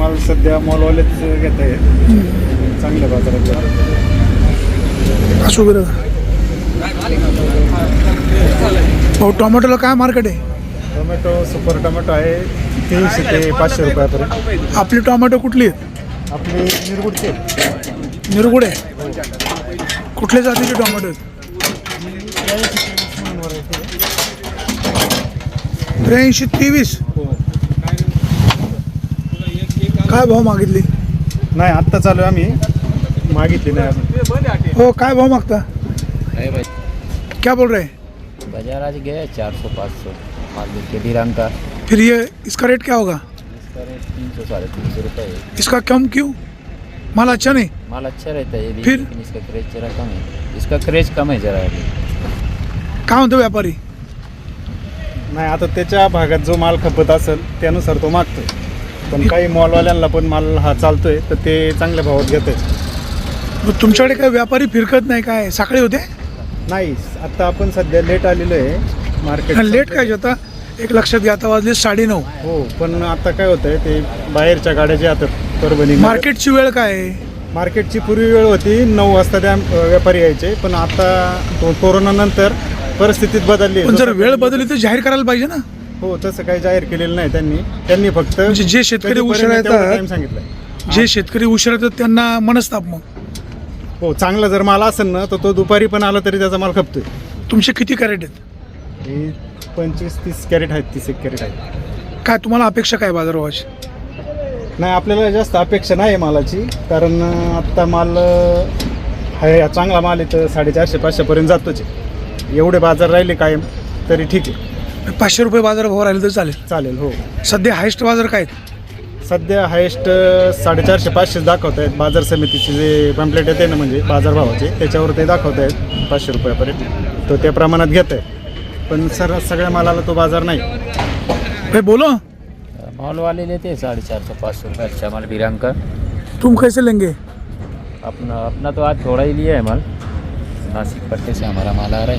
माल सध्या मॉलवालेच घेत आहे, चांगल्या बाजारात असं बरं भाऊ. टोमॅटोला काय मार्केट आहे? टोमॅटो सुपर टोमॅटो आहे 300 ते 500 रुपयापर्यंत. आपली टोमॅटो कुठली आहेत? आपली निरगुडचे निरगुड आहे. कुठल्या जातीचे टोमॅटो आहेत? 83-23. काय भाव मागितली? नाही आत्ता चालू आहे, आम्ही मागितली नाही अजून. हो, काय भाव मागता? क्या बोल रहे हैं? बाजार आज गया 400-500 माल के दिराम का। फिर ये इसका रेट क्या होगा? इसका रेट 300-350 रुपये है। इसका कम क्यों? माल अच्छा नहीं? माल अच्छा रहता है ये भी, फिर? लेकिन इसका क्रेज जरा कम है। इसका क्रेज कम है जरा अभी। काय म्हणतो व्यापारी? नाही आता त्याच्या भागात जो माल खपत असेल त्यानुसार तो मागतो, पण काही मॉलवाल्यांना पण माल हा चालतोय तर ते चांगल्या भावात घेत आहेत. मग तुमच्याकडे काय व्यापारी फिरकत नाही काय? सकाळी होते? नाही आता आपण सध्या लेट आलेलो आहे मार्केट. लेट काय होता? एक लक्षात घ्या, आता वाजले 9:30. हो, पण आता काय होतंय ते बाहेरच्या गाड्या ज्या येतात परभणी मार्केटची वेळ काय आहे? मार्केटची पूर्वी वेळ होती 9 वाजता त्या व्यापारी यायचे, पण आता कोरोना नंतर परिस्थितीत बदलली. पण जर वेळ बदलली तर जाहीर करायला पाहिजे ना. हो, तसं काही जाहीर केलेलं नाही त्यांनी फक्त म्हणजे जे शेतकरी उशिरा टाइम येतात, सांगितलंय. जे शेतकरी उशिरा येतात त्यांना मनस्ताप. मग हो, चांगला जर माल असेल ना तर तो दुपारी पण आला तरी त्याचा माल खपतोय. तुमचे किती कॅरेट आहेत? हे 25-30 कॅरेट आहेत, 31 कॅरेट आहेत. काय तुम्हाला अपेक्षा काय बाजारभावाची? नाही आपल्याला जास्त अपेक्षा नाही आहे मालाची, कारण आत्ता माल आहे चांगला माल आहे तर 450-500 पर्यंत जातोच आहे. एवढे बाजार राहिले कायम तरी ठीक आहे. 500 रुपये बाजारभाव राहिले तर चालेल. चालेल. हो, सध्या हायस्ट बाजार काय आहेत? सध्या हायेस्ट 450-500 दाखवत आहेत. बाजार समितीचे जे पॅम्पलेट येते ना म्हणजे बाजारभावाचे त्याच्यावर ते दाखवत आहेत 500 रुपयापर्यंत, तो त्या प्रमाणात घेत आहे. पण सगळ्या मालाला तो बाजार नाही. भाई बोलो, मॉल वाले लेते हैं 450-500 रुपये अच्छा माल बिराम का। तुम कैसे लेंगे? अपना तो आज थोड़ा ही लिया है माल, नासिक पट्टे से हमारा माल आ रहा है।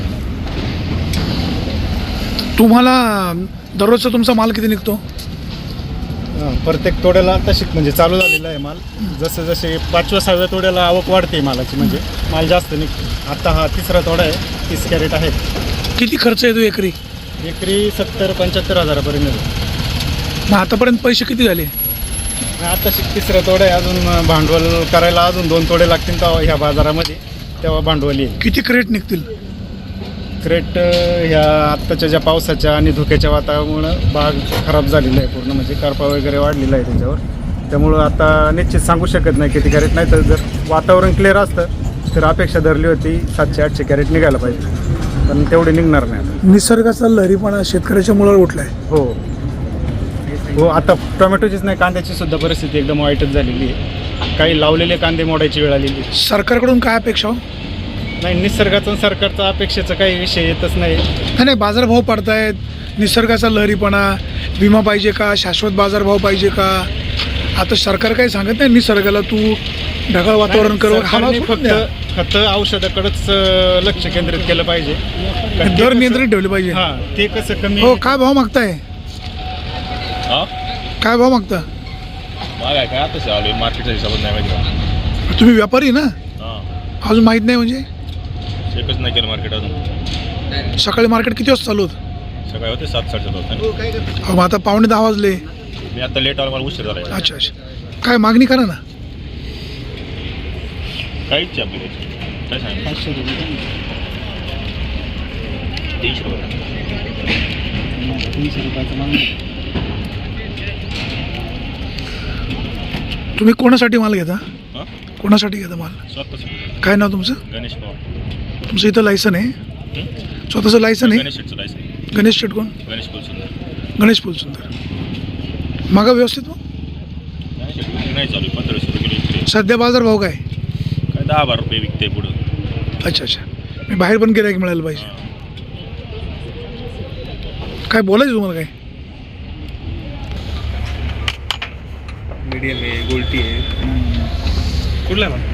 तुम्हाला दररोजचा तुमचा माल किती निघतो? प्रत्येक तोड्याला तशी म्हणजे चालू झालेला आहे माल. जसं जसे 5व्या-6व्या तोड्याला आवक वाढते मालाची, म्हणजे माल जास्त निघतो. आता हा 3रा तोडा आहे, 30 कॅरेट आहे. किती खर्च येतो एकरी? एकरी 70-75 हजारापर्यंत येतो. मग आतापर्यंत पैसे किती झाले? आता 3रा तोडा आहे, अजून भांडवल करायला अजून 2 तोडे लागतील तेव्हा ह्या बाजारामध्ये, तेव्हा भांडवल येईल. किती क्रेट निघतील? क्रेट ह्या आत्ताच्या ज्या पावसाच्या आणि धुक्याच्या वातावरणामुळं बाग खराब झालेला आहे पूर्ण, म्हणजे करपा वगैरे वाढलेला आहे त्याच्यावर. त्यामुळं आता निश्चित सांगू शकत नाही किती कॅरेट. नाही तर जर वातावरण क्लिअर असतं तर अपेक्षा धरली होती 700-800 कॅरेट निघायला पाहिजे, पण तेवढे निघणार नाही आता. निसर्गाचा लहरीपणा शेतकऱ्याच्या मुळावर उठलाय. हो हो, आता टोमॅटोचीच नाही कांद्याची सुद्धा परिस्थिती एकदम वाईटच झालेली आहे. काही लावलेले कांदे मोडायची वेळ आलेली आहे. सरकारकडून काय अपेक्षा हो? नाही, निसर्गाचा आणि सरकारचा अपेक्षेचा काही विषय येतच नाही. नाही, बाजारभाव पडतायत, निसर्गाचा लहरीपणा, विमा पाहिजे का, शाश्वत बाजारभाव पाहिजे का? आता सरकार काही सांगत नाही निसर्गाला तू ढगाळ वातावरण कर. सरकारने फक्त खतं औषधाकडेच लक्ष केंद्रित केलं पाहिजे, दर नियंत्रित ठेवले पाहिजे. हां, ते कसं कमी. हो, काय भाव मागताय? काय भाव मागता? काय आता चालू आहे मार्केटच्या हिशोबात नाही माहिती. तुम्ही व्यापारी ना? हां, अजून माहीत नाही म्हणजे? चेकच नाही केलं मार्केट अजून. सकाळी मार्केट किती वाजता चालू होतं? सकाळी होते 7-7:30 वाजता. मग आता 9:45 वाजले. मी आता लेट आलो, मला उशीर झाला. अच्छा अच्छा, काय मागणी करा ना. काहीच आपली काय सांगितलं 500 रुपये 300 रुपये. 300 रुपयाचं माल. तुम्ही कोणासाठी माल घेता? हां, कोणासाठी घेता माल? स्वतःच. काय नाव तुमचं? गणेश पवार. तुमचं इथं लायसन आहे? स्वतःचं लायसन आहे? गणेश शेटचं लायसन. गणेश शेट कोण? गणेश फुलसुंदर. गणेश फुलसुंदर. मागा व्यवस्थित मग? गणेश शेट नाही चालू, 1500 रुपये किलो विकते. सध्या बाजार भाव काय? काय 10-12 रुपये विकते पुढं. अच्छा अच्छा, मी बाहेर पण गिऱ्हाईक मिळायला पाहिजे. हां. काय बोलायचं तुम्हाला? काय मीडियम आहे, गोल्टी आहे. कुठला आहे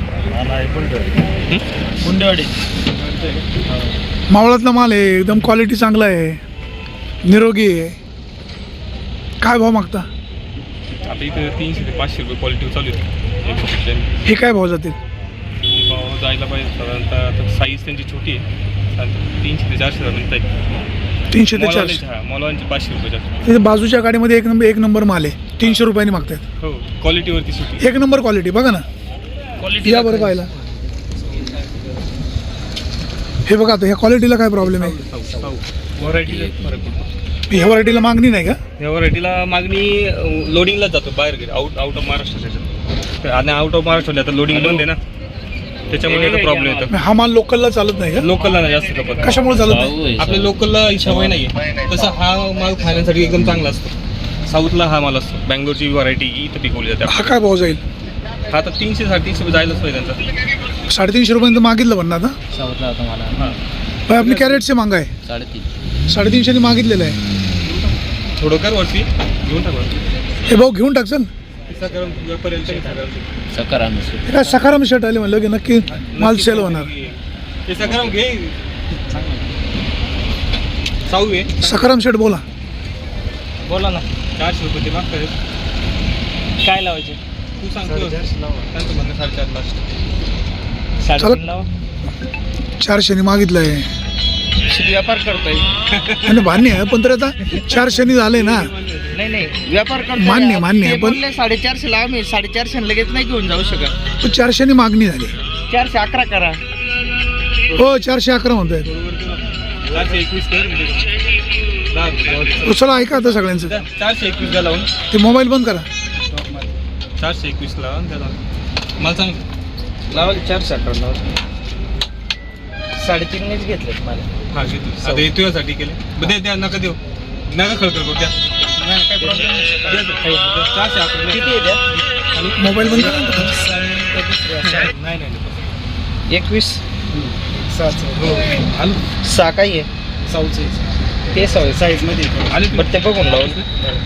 गुंडेवाडी. मावळातला माल आहे, एकदम क्वालिटी चांगला आहे, निरोगी आहे. काय भाव मागता? आता इथं 300 ते 500 रुपये क्वालिटी चालू आहे 100%. हे काय भाव जातील? भाव जायला पाहिजे साधारणतः. आता साईज त्यांची छोटी आहे, साधारणतः 300 ते 400 पर्यंत आहे. 300 ते 400. हां, मॉलवांचे 500 रुपये जास्त. तिथे बाजूच्या गाडीमध्ये एक नंबर माल आहे, 300 रुपयांनी मागतात. हो, क्वालिटीवरती सुटी. एक नंबर क्वालिटी बघा ना, या बरं पाहिला. हे बघा आता ह्या क्वालिटीला काय प्रॉब्लेम आहे? व्हरायटीला फरक पडतो. ह्या व्हरायटीला मागणी नाही का? या व्हरायटीला मागणी लोडिंगलाच जातो बाहेर गेली, आउट ऑफ महाराष्ट्राच्या. आणि आउट ऑफ महाराष्ट्राला आता लोडिंग बंद आहे ना, त्याच्यामुळे याचा प्रॉब्लेम येतो. हा माल लोकलला चालत नाही का? लोकलला नाही जास्त खपत. कशामुळे चालत नाही? आपल्या लोकलला सवय नाही आहे, तसा हा माल खाण्यासाठी एकदम चांगला असतो. साऊथला हा माल असतो, बँगलोरची व्हरायटी इथं पिकवली जाते. हा काय भाव जाईल? हा आता 300-350 रुपये जायलाच पाहिजे त्यांचा. 350 रुपयांचं मागितलं पण ना आता. साऊथला होता मला हां, पण आपली कॅरेटचे मांगा आहे 350. 350 मागितलेलं आहे. थोडं कर वरती घेऊन टाका. हे भाऊ घेऊन टाकचल. सकाराम हे काय सकाराम शर्ट आले म्हणलं की नक्की माल सेल होणार. हे सकाराम घे. साऊ आहे. सकाराम शर्ट बोला. बोला ना. 400 रुपये ते मागतात. काय लावायचे? तू सांगतो. त्यांचं म्हणणं 4.5 लाख. 3.5 लावा. 400 मागितलं आहे व्यापार करतोय. आणि मान्य आहे, पण तर आता 400 झाले ना. नाही व्यापार करतोय. मान्य आहे, पण 450 ला आम्ही 450 लगेच नाही घेऊन जाऊ शकत. 400 मागणी झाली. 411 करा. हो 411 म्हणतोय. 421 कर. 10 रुपये. चला ऐका आता सगळ्यांचं. 421 ला लावून ते मोबाईल बंद करा. 421 लावून त्याला मला सांग. लावा 411 लावा. 3.5 घेतलेत मला. हा घेतो. आता हे तुझ्यासाठी केले. दे द्या, नका देऊ, नका खळखळ करू द्या. काय प्रॉब्लेम नाही. 411 किती आहे त्या? मोबाईल बंद करा. नाही 21 हो आलो. 6 काही आहे साऊथचे ते साईजमध्ये आले बट ते बघून लावून.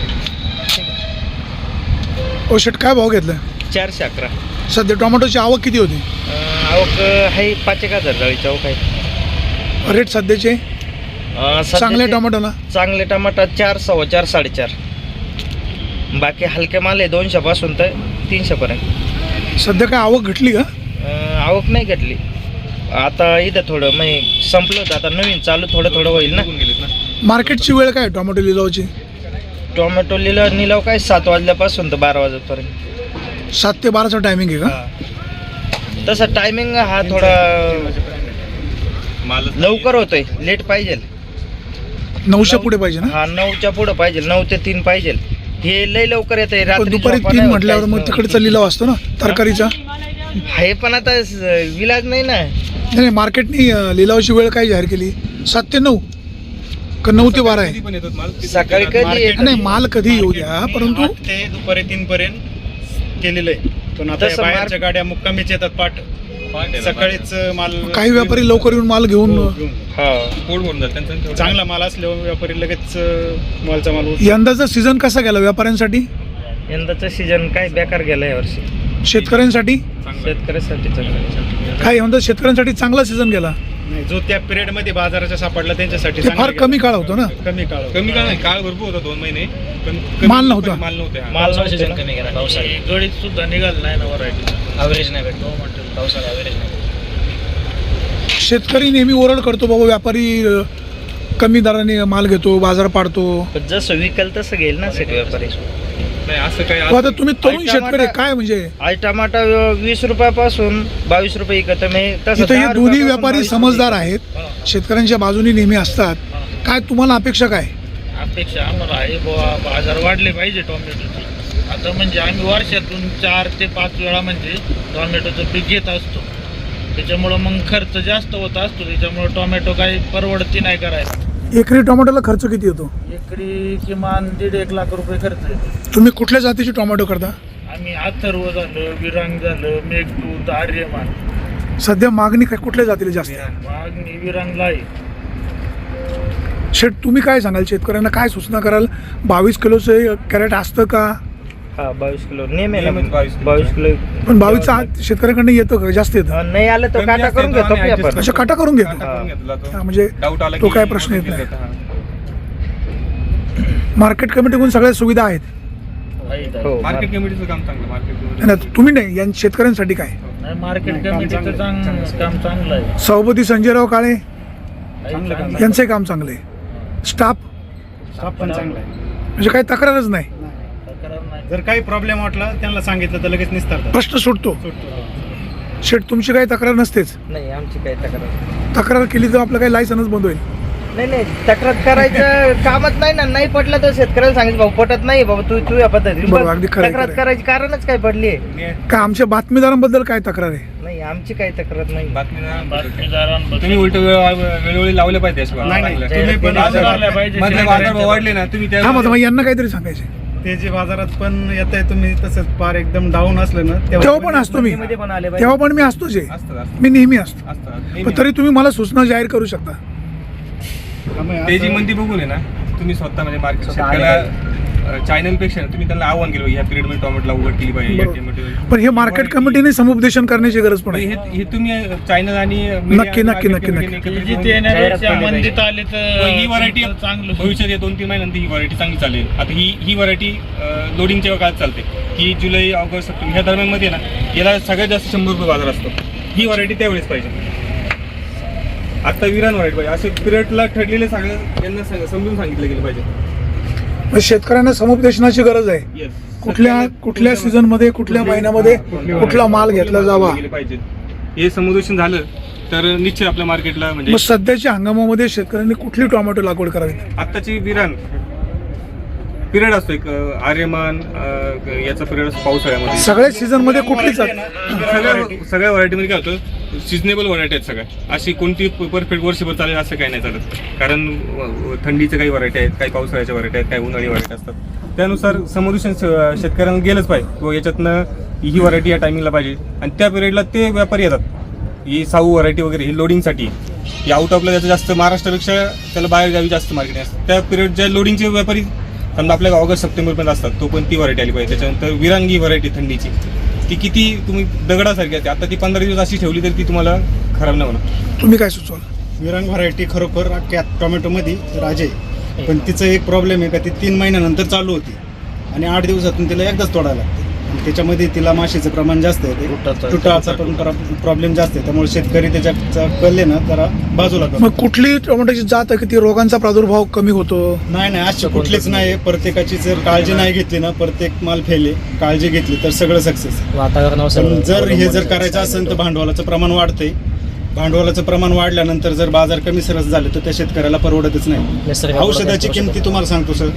ओ शर्ट काय भाव घेतला? 411. सध्या टोमॅटोची आवक किती होती? आवक आहे 5,000 जाळीची आवक आहे. रेट सध्याचे चांगल्या टोमॅटोला? चांगले टमाटर 4, 4.25, 4.5. बाकी हलके माल आहे 200 पासून तर 300 पर्यंत. सध्या काय आवक घटली का? आवक नाही घटली. आता इथं थोडं म्हणजे संपलं होतं, आता नवीन चालू थोडं होईल ना. गेलेत ना. मार्केटची वेळ काय टोमॅटो लिलावची? टोमॅटो निलाव काय 7 वाजल्यापासून तर 12 वाजेपर्यंत. 7 ते 12चा टायमिंग आहे का? तसा टायमिंग हा थोडा माल लवकर होतोय, लेट पाहिजे. 9च्या पुढे पाहिजे ना? हा 9च्या पुढं पाहिजे, 9 ते 3 पाहिजे. हे लय लवकर येतंय. पण रात्री दुपारी 3 म्हटल्यावर मग तिकडचा लिलाव असतो ना तरकारीचा. हे पण आता विलाज नाही ना. नाही मार्केटनी लिलावाची वेळ काय जाहीर केली? 7 ते 9 का 9 ते 12 आहे? पण येतात माल. सकाळी कधी येतं? नाही माल कधी येऊ द्या, परंतु 8 ते दुपारी 3 पर्यंत केलेलं आहे. पण आता तसं बाहेरच्या गाड्या मुक्कामीच येतात सकाळीच माल. काही व्यापारी लवकर येऊन माल घेऊन. हा पोट भरून जात त्यांचं. चांगला माल असल्यावर व्यापारी लगेच मालचा माल यंदाचा सीझन कसा गेला व्यापाऱ्यांसाठी? यंदाचा सीझन काय बेकार गेला यावर्षी. शेतकऱ्यांसाठी शेतकऱ्यासाठी चांगलं. काय म्हणतात शेतकऱ्यांसाठी चांगला सीझन गेला. नाही, जो त्या पिरियड मध्ये बाजाराच्या सापडला त्यांच्यासाठी ते फार चांगला कमी काळ होतो ना. गेला. कमी काळ कमी काळ नाही, काळ भरपूर होता 2 महिने, पण माल नव्हता. माल नव्हते. हा. माल सीझन कमी गेला पावसाळी. गडीत सुद्धा निघाल नाही ना व्हरायटी. ॲव्हरेज नाही भेटतो म्हणतो पावसाळा ॲव्हरेज नाही. शेतकरी नेहमी ओरड करतो बाबा व्यापारी कमी दराने माल घेतो, बाजार पाडतो. पण जसं विकल तसं घेईल ना शेती व्यापारी. नाही असं काय. हो, आता तुम्ही तरुण शेतकरी काय म्हणजे आज टमाटा 20 रुपयापासून 22 रुपये विकत मी तसं इथं हे 10 दोन्ही रुपयापासून व्यापारी 22 समजदार आहेत, शेतकऱ्यांच्या बाजूनी नेहमी असतात. काय तुम्हाला अपेक्षा काय? अपेक्षा आम्हाला आहे बुवा बाजार वाढले पाहिजे टोमॅटोचे. आता म्हणजे आम्ही वर्षातून 4 ते 5 वेळा म्हणजे टोमॅटोचं पीक घेत असतो. त्याच्यामुळं मग खर्च जास्त होत असतो. त्याच्यामुळं टोमॅटो काही परवडती नाही करायला. एकरी टोमॅटोला खर्च किती येतो? एकरी किमान 1.5 लाख रुपये खर्च येतो. तुम्ही कुठल्या जातीचे टोमॅटो करता? आम्ही अथर्व झालं, विरांग झालं, मेघदूत, आर्यमान. सध्या मागणी काय कुठल्या जातीला जास्त आहे? मागणी विरांगला आहे. शेट तुम्ही काय सांगाल शेतकऱ्यांना, काय सूचना कराल? 22 किलोचं कॅरेट असतं का? हा 22 किलो नेहमी ना. नेहमीच 22 किलो. पण 22चा आत शेतकऱ्याकडनं येतं का? जास्त येतं? नाही आलं तर काटा करून घेतो की आपण. अशा काटा करून घेतो. हा. म्हणजे डाऊट आला तो की काय प्रश्न येत करून नाही. घेतात. हा. मार्केट कमिटीकडून सगळ्या सुविधा आहेत. हो. मार्केट कमिटीचं काम चांगलं मार्केट कमिटी नाही, तुम्ही नाही, या शेतकऱ्यांसाठी काय? नाही, मार्केट कमिटीचं काम चांगलं आहे. सभापती संजयराव काळे चांगलं काम यांचंही काम चांगलं आहे. स्टाफ स्टाफ पण चांगला आहे. म्हणजे काही तक्रारच नाही, तक्रार नाही. जर काही प्रॉब्लेम वाटला त्यांना सांगितलं तर लगेच निस्तारतात. प्रश्न सुटतो. शेठ, तुमची काही तक्रार नसतेच. नाही आमची काही तक्रार तक्रार केली तर आपलं काही लायसन्स बंद होईल. नाही तक्रार करायचं कामच नाही ना. नाही पटलं तर शेतकऱ्याला सांगितलं भाऊ पटत नाही बाबा तू या पद्धतीने बरोबर, अगदी खरं आहे, तक्रार खरं आहे. करायची कारणच काय पडली आहे? काय आमच्या बातमीदारांबद्दल काय तक्रार आहे? नाही आमची काही तक्रार नाही. बातमीदारांबद्दल तुम्ही उलट वेळोवेळी लावले पाहिजे अशा नाही, नाही, बातम्या. तुम्ही पण बाजार भरल्या पाहिजे. मधले बाजार भाव वाढले ना तुम्ही त्या हा मग यांना काहीतरी सांगायचे. ते जे बाजारात पण येत आहे तुम्ही तसंच फार एकदम डाऊन असलं ना तेव्हा पण असतो मी, मध्ये पण आले तेव्हा पण मी असतोच आहे, असतात मी नेहमी असतो. असतात पण तरी तुम्ही मला सूचना जाहीर करू शकता. ते जी मंदी बघून आहे ना तुम्ही स्वतः म्हणजे मार्केट स्वतः आले शेतकऱ्याला चॅनल पेक्षा तुम्ही त्यांना आव्हान केलं ह्या पिरियड मध्ये टोमॅटोला उघड केली पाहिजे या बरोबर. टोमॅटो पण हे मार्केट कमिटीने समुपदेशन करण्याची गरज पण आहे. हे तुम्ही चॅनल आणि नक्की, नक्की, नक्की, नक्की. जिथे येण्यापेक्षा मंदीत आले तर ही व्हरायटी चांगलं. भविष्यात 2-3 महिन्यानंतर ही व्हरायटी चांगली चालेल. आता ही व्हरायटी लोडिंगच्या काळात चालते. ही जुलै ऑगस्ट सप्टेंबर ह्या दरम्यान मध्ये ना याला सगळ्यात जास्त 100 रुपये बाजार असतो. ही व्हरायटी त्यावेळेस पाहिजे. आता विरान व्हरायटी पाहिजे. असे पिरियडला ठरलेले सगळं यांना समजून सांगितलं गेलं पाहिजे. म्हणजे शेतकऱ्यांना समुपदेशनाची गरज आहे. Yes. कुठल्या सीझन मध्ये, कुठल्या महिन्यामध्ये कुठला माल घेतला जावा. गेले पाहिजे. हे समुदेशन झालं तर निश्चित आपल्या मार्केटला म्हणजे मग सध्याच्या हंगामामध्ये शेतकऱ्यांनी कुठली टोमॅटो लागवड करावी? आत्ताची विरान पिरियड असतो एक आर्यमान याचा पिरियड असतो पावसाळ्यामध्ये. सगळ्या सीझन मध्ये कुठली सगळ्या व्हरायटीमध्ये काय होतं सिजनेबल व्हरायटी आहेत सगळ्या. अशी कोणती परफेक्ट वर्षभर चालेल असं काही नाही चालत. कारण थंडीच्या काही व्हरायटी आहेत, काही पावसाळ्याच्या व्हरायटी आहेत, काही उन्हाळी व्हरायटी असतात. त्यानुसार समुदेशन शेतकऱ्यांना गेलंच पाहिजे व याच्यातनं ही व्हरायटी या टायमिंगला पाहिजे. आणि त्या पिरियडला ते व्यापारी येतात. ही साऊ व्हरायटी वगैरे ही लोडिंगसाठी. ही आउट ऑफला त्याचं जास्त महाराष्ट्रापेक्षा त्याला बाहेर गावी जास्त मार्केट असतं. त्या पिरियड ज्या लोडिंगचे व्यापारी समजा आपल्या ऑगस्ट सप्टेंबरपर्यंत असतात तो पण ती व्हरायटी आली पाहिजे. त्याच्यानंतर विरांगी व्हरायटी थंडीची ती किती तुम्ही दगडासारखी असते. आता ती 15 दिवस अशी ठेवली तर ती तुम्हाला खराब नाही होणार. तुम्ही काय सुचवाल? विरांग व्हरायटी खरोखर अख्ख्या टोमॅटोमध्ये राजे आहे. पण तिचं एक प्रॉब्लेम आहे का ती 3 महिन्यानंतर चालू होती आणि 8 दिवसातून तिला एकदाच तोडायला लागते. आणि त्याच्यामध्ये तिला माशीचं प्रमाण जास्त आहे. तुटाचा पण प्रॉब्लेम जास्त आहे. त्यामुळे शेतकरी त्याच्या कळले ना जरा बाजूला करतो. मग कुठली टोमॅटोची जात आहे की ती रोगांचा प्रादुर्भाव कमी होतो? नाही अशी कुठलीच नाही. प्रत्येकाची जर काळजी नाही घेतली ना प्रत्येक माल फेले. काळजी घेतली तर सगळं सक्सेस. पण जर हे जर करायचं असेल तर भांडवलाचं प्रमाण वाढतंय. भांडवलाचं प्रमाण वाढल्यानंतर जर बाजार कमी सरस झाले तर त्या शेतकऱ्याला परवडतच नाही. औषधाची किमती तुम्हाला सांगतो सर,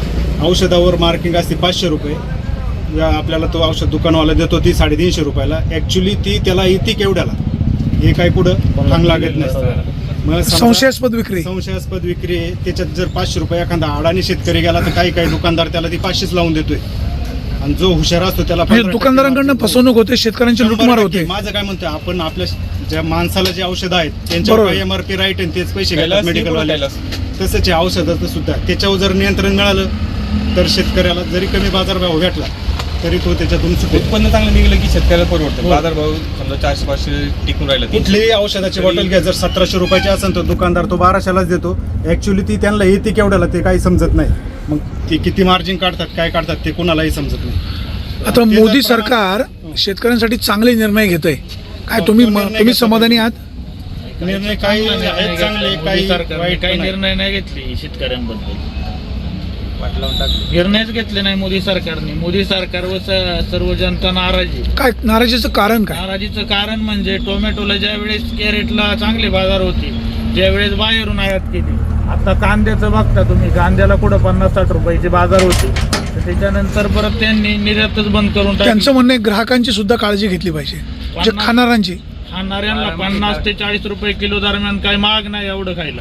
औषधावर मार्किंग असते 500 रुपये. आपल्याला तो औषध दुकानवाला देतो ती 350 रुपयाला. ॲक्च्युली ती त्याला येते केवढ्याला हे काही कुठं थांग लागत नसतं. मग संशयास्पद विक्री आहे. त्याच्यात जर 500 रुपये एखादा अडाणी शेतकरी गेला तर काही दुकानदार त्याला ती 500 लावून देतोय. आणि जो हुशार असतो त्याला म्हणजे दुकानदारांकडनं फसवणूक होते, शेतकऱ्यांची लुटमार होते. माझं काय म्हणतोय आपण आपल्या ज्या माणसाला जे औषध आहेत त्यांच्यावर बरोबर. MRP राईट आणि तेच पैसे घ्यायला मेडिकलवाल्याला. तसंच आहे औषधाचं सुद्धा. त्याच्यावर जर नियंत्रण मिळालं तर शेतकऱ्याला जरी कमी बाजारभाव भेटला तरी तो त्याच्यातून सुटेल. उत्पन्न चांगलं निघलं की शेतकऱ्याला परवडतं. बाजार भाव समजा 400-500 टिकून राहिला. कुठलीही औषधाची बॉटल घ्या जर 1700 रुपयाची असेल तर दुकानदार तो 1200लाच देतो. ॲक्च्युली ती त्यांना येते केवढ्याला ते काही समजत नाही. मग ती किती मार्जिन काढतात काय काढतात ते कोणालाही समजत नाही. आता मोदी सरकार शेतकऱ्यांसाठी चांगले निर्णय घेत आहे. काय तुम्ही समाधानी आहात? निर्णय काही आहेत चांगले काही वाईट काही पण आहेत. निर्णय नाही घेतले शेतकऱ्यांबद्दल. निर्णयच घेतले नाही मोदी सरकारने. मोदी सरकारवर सर्व जनता नाराज आहे. काय नाराजीचं कारण काय? नाराजीचं कारण म्हणजे टोमॅटोला ज्या वेळेस कॅरेटला चांगले बाजार होते, ज्या वेळेस बाहेरून आयात केली. आता कांद्याचं बघता तुम्ही, कांद्याला कुठं 50-60 रुपयाचे बाजार होते. तर त्याच्यानंतर परत त्यांनी निर्यातच बंद करून टाकली. त्यांचं म्हणणं आहे ग्राहकांची सुद्धा काळजी घेतली पाहिजे, म्हणजे खाणाऱ्यांची. खाणाऱ्यांना 50 ते 40 रुपये किलो दरम्यान काही महाग नाही एवढं खायला.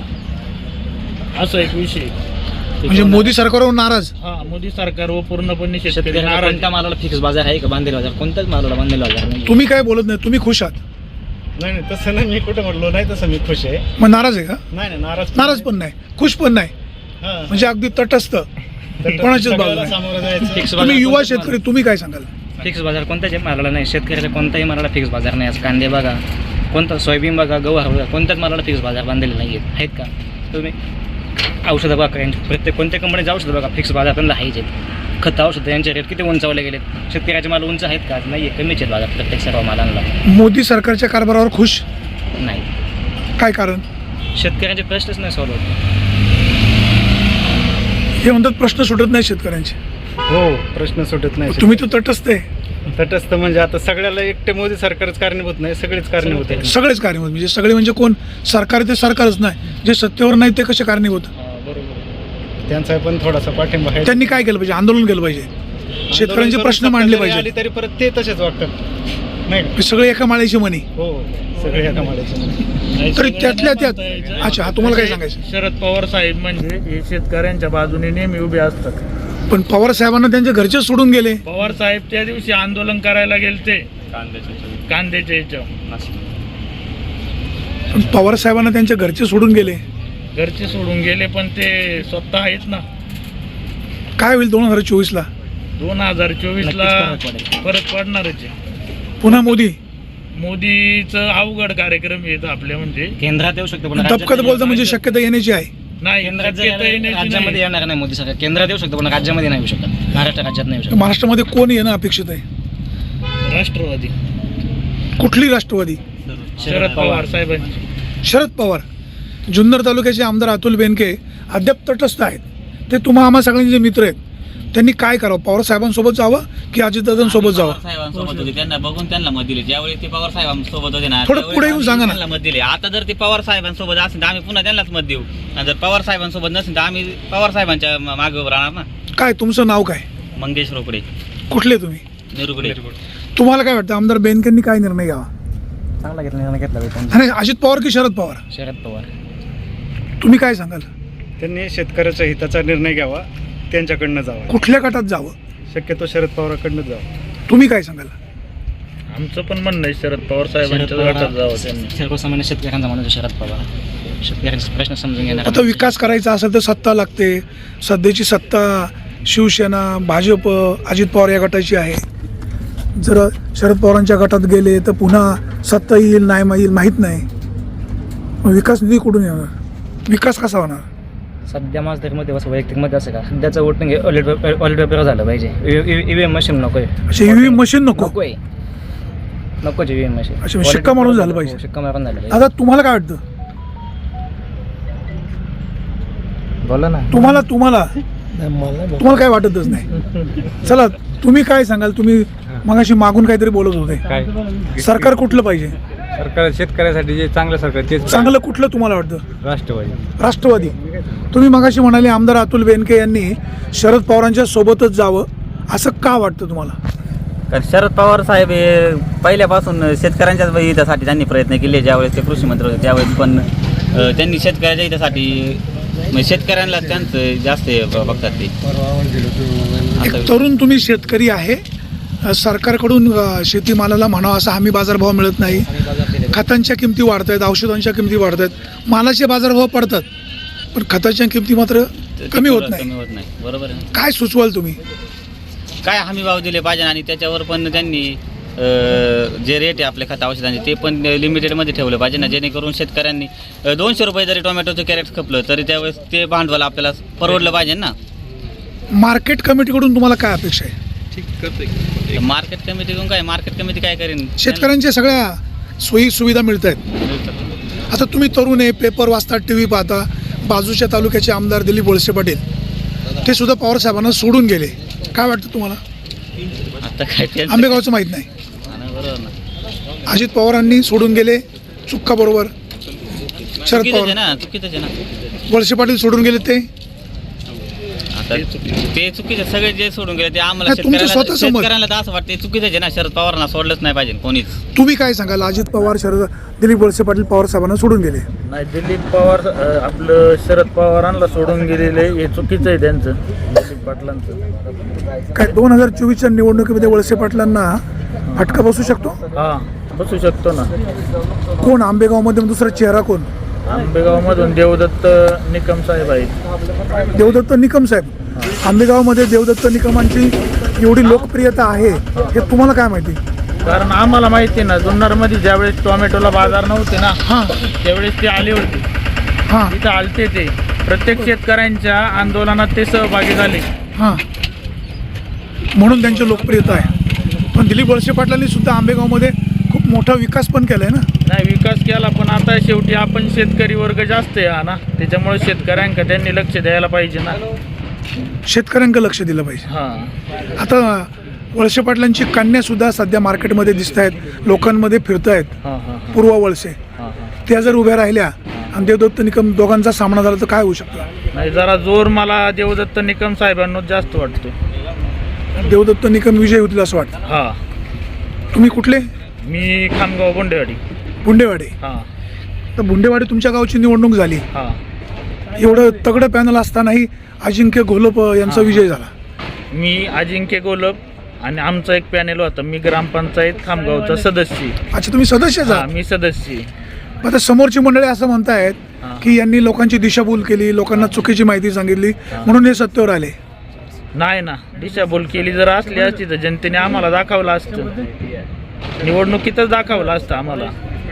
असं एक विषय. म्हणजे मोदी सरकारवर नाराज. हा, मोदी सरकारवर पूर्णपणे शेतकरी शेतकऱ्याला नाराज. कोणत्या मालाला फिक्स बाजार आहे का बांधलेला बाजार? कोणत्याच मालाला बांधलेला बाजार नाही. तुम्ही काय बोलत नाही, तुम्ही खुश आहात? नाही तसं नाही. मी कुठं म्हणलो नाही तसं मी खुश आहे. मग नाराज आहे का? नाही नाराज पण नाही, खुश पण नाही, हां. म्हणजे अगदी तटस्थ कोणाच्याच बाजूला सगळ्याला नाही. सामोरं जायचं. फिक्स तुम्ही युवा शेतकरी, तुम्ही काय सांगाल? फिक्स बाजार कोणत्याच मालाला नाही. शेतकऱ्याला कोणत्याही मालाला फिक्स बाजार नाही. आज कांदे बघा, कोणता सोयाबीन बघा, गहू बघा, कोणत्याच मालाला फिक्स बाजार बांधलेले नाही आहेत का? तुम्ही औषधं बघा, प्रत्येक कोणत्या कंपनीचं औषधं बघा फिक्स बाजार त्यांना आहेच आहेत. खत औषध यांचे रेट किती उंचावले गेलेत. शेतकऱ्याचे माल उंच आहेत का? नाही आहे, कमीच आहेत बाजार प्रत्येक सर्व मालांना. मोदी सरकारच्या कारभारावर खुश? नाही. काय कारण? शेतकऱ्यांचे प्रश्नच नाही सॉल्व्ह होत. हे म्हणतात प्रश्न सुटत नाही शेतकऱ्यांचे. हो, प्रश्न सुटत नाही. तुम्ही तर तटस्थ आहे. तटस्थ म्हणजे आता सगळ्याला एकटे मोदी सरकारच कारणीभूत नाही, सगळेच कारणीभूत आहे. सगळेच कारणीभूत म्हणजे सगळे म्हणजे कोण? सरकार ते सरकारच नाही, जे सत्तेवर नाही ते कसे कारणीभूत? त्यांचा पण थोडासा पाठिंबा आहे. त्यांनी काय केलं पाहिजे? आंदोलन केलं पाहिजे, शेतकऱ्यांचे प्रश्न मांडले आली पाहिजे. तरी परत ते तसेच वागतात नाही का? सगळे एका माळ्याची मनी. हो, सगळे एका माळ्याचे. तरी त्यातल्या त्यात अच्छा, हा तुम्हाला काय सांगायचं? शरद पवार साहेब म्हणजे हे शेतकऱ्यांच्या बाजूने नेहमी उभे असतात. पण पवार साहेबांना त्यांचे घरचे सोडून गेले. पवार साहेब त्या दिवशी आंदोलन करायला गेलते कांद्याच्या याच्यावर. पण पवार साहेबांना त्यांचे घरचे सोडून गेले. घरचे सोडून गेले पण ते स्वतः आहेत ना. काय होईल 2024ला? 2024ला फरक पडणारच आहे. पुन्हा मोदी? मोदीचं अवघड कार्यक्रम येत आपले म्हणजे केंद्रात येऊ शकतो पण दबकत बोलतं म्हणजे शक्यता येण्याची आहे. नाही केंद्रात शक्यता येण्याची राज्यामध्ये नाही. येणार नाही मोदी सरकार. केंद्रात येऊ शकतो पण राज्यामध्ये नाही येऊ शकत. महाराष्ट्र राज्यात नाही येऊ शकत. महाराष्ट्रामध्ये कोण येणं अपेक्षित आहे? राष्ट्रवादी कुठली राष्ट्रवादी? शरद पवार साहेबांची. शरद पवार. जुन्नर तालुक्याचे आमदार अतुल बेनके अद्याप तटस्थ आहेत. ते तुम्हा आम्हा सगळ्यांचे मित्र आहेत. त्यांनी काय करावं? पवार साहेबांसोबत जावं की अजितदादांसोबत जावं? साहेबांसोबत होते, त्यांना बघून त्यांना मत दिले. ज्यावेळी ते पवार साहेबांसोबत होते ना, थोडं त्यावेळी पुढे येऊन सांगा ना. त्यांना मत दिले. आता जर ते पवार साहेबांसोबत असेल तर आम्ही पुन्हा त्यांनाच मत देऊ, आणि जर पवार साहेबांसोबत नसेल तर आम्ही पवार साहेबांच्या मागे उभं राहणार ना. काय तुमचं नाव काय? मंगेश रोकडे, कुठले तुम्ही? निरुगडे. तुम्हाला काय वाटतं आमदार बेनकेंनी काय निर्णय घ्यावा? चांगला निर्णय घेतला पाहिजे. आणि अजित पवार की शरद पवार? शरद पवार. तुम्ही काय सांगाल? त्यांनी शेतकऱ्याच्या हिताचा निर्णय घ्यावा, त्यांच्याकडनं जावं. कुठल्या गटात जावं? शक्यतो शरद पवारांकडनं जावं. तुम्ही काय सांगाल? आमचं पण म्हणणं आहे शरद पवार साहेबांच्या गटात जावं त्यांनी. सर्वसामान्य शेतकऱ्यांचा माणूस शरद पवार. शेतकऱ्यांचे प्रश्न समजून घेणार. आता विकास करायचा असेल तर सत्ता लागते. सध्याची सत्ता शिवसेना, भाजप, अजित पवार या गटाची आहे. जर शरद पवारांच्या गटात गेले तर पुन्हा सत्ता येईल नाही येईल माहीत नाही. मग विकास निधी कुठून येणार? विकास कसा होणार? सध्या माझं तरी मध्ये वैयक्तिक मध्ये असं का सध्याचं वोटिंग ऑलिट पेपर झालं पाहिजे. ईव्हीएम मशीन नको आहे. असे ईव्हीएम मशीन नको? नको आहे, नकोच ईव्हीएम मशीन. अच्छा, शिक्का मारून झालं पाहिजे. शिक्का मारून झालं पाहिजे. आता तुम्हाला काय वाटतं? बोला ना. तुम्हाला काय वाटतच नाही. चला, तुम्ही काय सांगाल? तुम्ही मगाशी मागून काहीतरी बोलत होते. काय सरकार कुठलं पाहिजे? सरकार शेतकऱ्यासाठी जे चांगलं सरकार तेच चांगलं कुठलं तुम्हाला वाटतं? राष्ट्रवादी. राष्ट्रवादी. तुम्ही मगाशी म्हणाले आमदार अतुल बेनके यांनी शरद पवारांच्या सोबतच जावं, असं का वाटतं तुम्हाला? कारण शरद पवार साहेब हे पहिल्यापासून शेतकऱ्यांच्या हितासाठी त्यांनी प्रयत्न केले. ज्यावेळेस ते कृषी मंत्री होते त्यावेळेस पण त्यांनी शेतकऱ्याच्या हितासाठी म्हणजे शेतकऱ्यांना त्यांचं जास्त बघतात ते. एक तरुण तुम्ही शेतकरी आहे. सरकारकडून शेतीमालाला म्हणावा असा हमी बाजारभाव मिळत नाही. खतांच्या किमती वाढत आहेत, औषधांच्या किमती वाढत आहेत, मालाचे बाजारभाव पडतात पण खताच्या किमती मात्र कमी होत नाही. बरोबर आहे. काय सुचवाल तुम्ही? काय हमी भाव दिले पाहिजे आणि त्याच्यावर पण त्यांनी जे रेट आहे आपल्या खत औषधांचे ते पण लिमिटेडमध्ये ठेवलं पाहिजे ना, जेणेकरून शेतकऱ्यांनी 200 रुपये जरी टोमॅटोचं कॅरेट खपलं तरी त्यावेळेस ते भांडवल आपल्याला परवडलं पाहिजे ना. मार्केट कमिटीकडून तुम्हाला काय अपेक्षा आहे? मार्केट कमिटीकडून काय, मार्केट कमिटी काय करेन? शेतकऱ्यांच्या सगळ्या सोयी सुविधा मिळत आहेत. आता तुम्ही तरुण आहे, पेपर वाचता, टी व्ही पाहता. बाजूच्या तालुक्याचे आमदार दिलीप वळसे पाटील ते सुद्धा पवार साहेबांना सोडून गेले. काय वाटतं तुम्हाला? आता काय आंबेगावचं माहीत नाही. बरोबर ना. अजित पवारांनी सोडून गेले, चुक्का बरोबर. शरद चुकीचं आहे पवार, ना, चुकीचं आहे ना. वळसे पाटील सोडून गेले ते. आता ते चुकीचे सगळे जे सोडून गेले ते आम्हाला नाही, तुमचं स्वतःचं मत. शेतकऱ्यांना तर असं वाटतं ते चुकीचं आहे ना. शरद पवारांना सोडलंच नाही पाहिजे कोणीच. तुम्ही काय सांगाल? अजित पवार, दिलीप वळसे पाटील पवार साहेबांना सोडून गेले. नाही, दिलीप पवार आपलं शरद पवारांना सोडून गेलेले हे चुकीचं आहे त्यांचं, दिलीप पाटलांचं. काय 2024च्या निवडणुकीमध्ये वळसे पाटलांना फटका बसू शकतो? हा, बसू शकतो ना. कोण आंबेगावमध्ये दुसरा चेहरा कोण? आंबेगावमधून देवदत्त निकम साहेब आहेत. देवदत्त निकम साहेब. आंबेगावमध्ये देवदत्त निकमांची एवढी लोकप्रियता आहे हे तुम्हाला काय माहिती? कारण आम्हाला माहिती ना, जुन्नरमध्ये ज्यावेळेस टोमॅटोला बाजार नव्हते ना, हां त्यावेळेस ते आले होते. हां तिथं आलते ते प्रत्येक शेतकऱ्यांच्या आंदोलनात ते सहभागी झाले. हां. म्हणून त्यांची लोकप्रियता आहे. पण दिलीप वळसे पाटलांनी सुद्धा आंबेगावमध्ये खूप मोठा विकास पण केला आहे ना. नाही विकास केला, पण आता शेवटी आपण शेतकरी वर्ग जास्त आहे हा ना, त्याच्यामुळे शेतकऱ्यांका त्यांनी लक्ष द्यायला पाहिजे ना. शेतकऱ्यांकडे लक्ष दिलं पाहिजे. हां आता वळसे पाटलांची कन्या सुद्धा सध्या मार्केटमध्ये दिसत आहेत, लोकांमध्ये फिरत आहेत. हां हां पूर्व वळसे हां हां. त्या जर उभ्या राहिल्या आणि देवदत्त निकम दोघांचा सामना झाला तर काय होऊ शकतं? नाही जरा जोर मला देवदत्त निकम साहेबांनाच जास्त वाटतो. देवदत्त निकम विजय होतील असं वाटतं. हां तुम्ही कुठले? मी खामगाव बोंडेवाडी. बुंडेवाडे. हां तर बुंडेवाडी तुमच्या गावची निवडणूक झाली, हां. एवढं तगडं पॅनल असतानाही अजिंक्य घोलप यांचा विजय झाला. मी अजिंक्य गोलप आणि आमचा एक पॅनेल होता. मी ग्रामपंचायत खामगावचा सदस्य आहे. अच्छा, तुम्ही सदस्यच हां आहात. मी सदस्य आहे. आता समोरची मंडळी असं म्हणतायत हां. की यांनी लोकांची दिशाभूल केली, लोकांना चुकीची माहिती सांगितली म्हणून हे सत्तेवर आले. नाही ना, दिशाभूल केली जर असली असती तर जनतेने आम्हाला दाखवलं असतं, निवडणुकीतच दाखवलं असतं आम्हाला.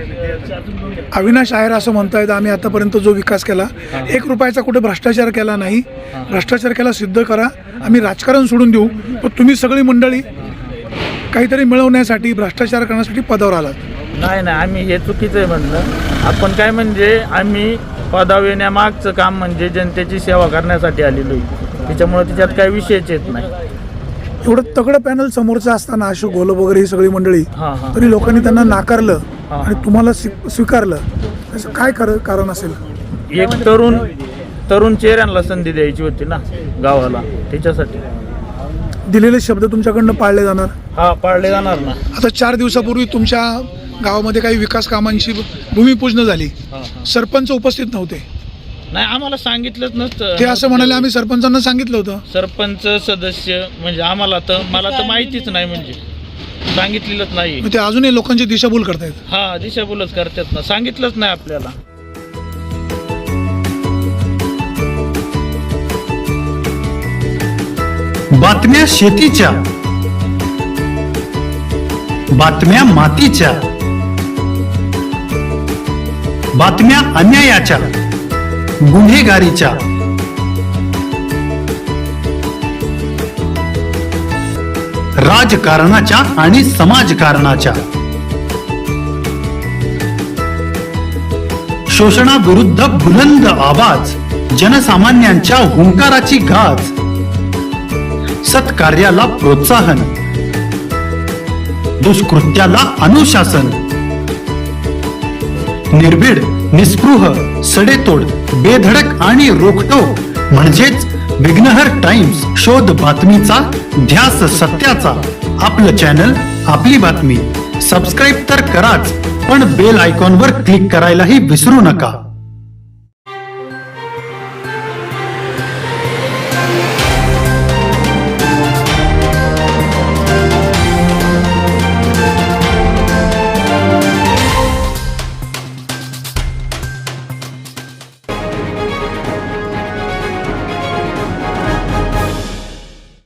अविनाश आहेर असं म्हणतायत आम्ही आतापर्यंत जो विकास केला, हां. 1 रुपयाचा कुठे भ्रष्टाचार केला नाही. हां. भ्रष्टाचार केला सिद्ध करा, आम्ही राजकारण सोडून देऊ. पण तुम्ही सगळी मंडळी काहीतरी मिळवण्यासाठी भ्रष्टाचार करण्यासाठी पदावर आलात. नाही नाही, आम्ही हे चुकीचं आहे म्हणलं. आपण काय म्हणजे आम्ही पदावर येण्यामागचं काम म्हणजे जनतेची सेवा करण्यासाठी आलेलो आहे, त्याच्यामुळे त्याच्यात काही विषयच येत नाही. एवढं तगडं पॅनल समोरचं असताना अशोक घोलप वगैरे ही सगळी मंडळी, हां हां. तरी लोकांनी त्यांना नाकारलं हां. आणि तुम्हाला स्वीकारलं. असं काय कारण असेल? एक तरुण चेहऱ्यांना संधी द्यायची होती ना गावाला, त्याच्यासाठी. दिलेले शब्द तुमच्याकडनं पाळले जाणार. हा पाळले जाणार ना. आता 4 दिवसापूर्वी तुमच्या गावामध्ये काही विकास कामांची भूमिपूजन झाली, हां हां. सरपंच उपस्थित नव्हते. नाही आम्हाला सांगितलंच नसतं. ते असं म्हणाले आम्ही सरपंचांना सांगितलं होतं. सरपंच सदस्य म्हणजे मला तर माहितीच नाही, म्हणजे सांगितलेलंच नाही. मग ते अजूनही लोकांची दिशाभूल करतायत. हा दिशाभूलच करतात ना, सांगितलंच नाही आपल्याला. बातम्या शेतीच्या, बातम्या मातीच्या, बातम्या अन्यायाच्या, गुन्हेगारीच्या, राजकारणाच्या आणि समाजकारणाच्या, शोषणाविरुद्ध बुलंद आवाज, जनसामान्यांच्या हुंकाराची गाज, सत्कार्याला प्रोत्साहन, दुष्कृत्याला अनुशासन, निर्भीड, निस्पृह, सडेतोड, बेधडक आणि रोखटोक म्हणजेच विघ्नहर टाइम्स. शोध बातमीचा, ध्यास सत्याचा. आपलं चॅनल, आपली बातमी. सबस्क्राईब तर कराच, पण बेल आयकॉनवर क्लिक करायलाही विसरू नका.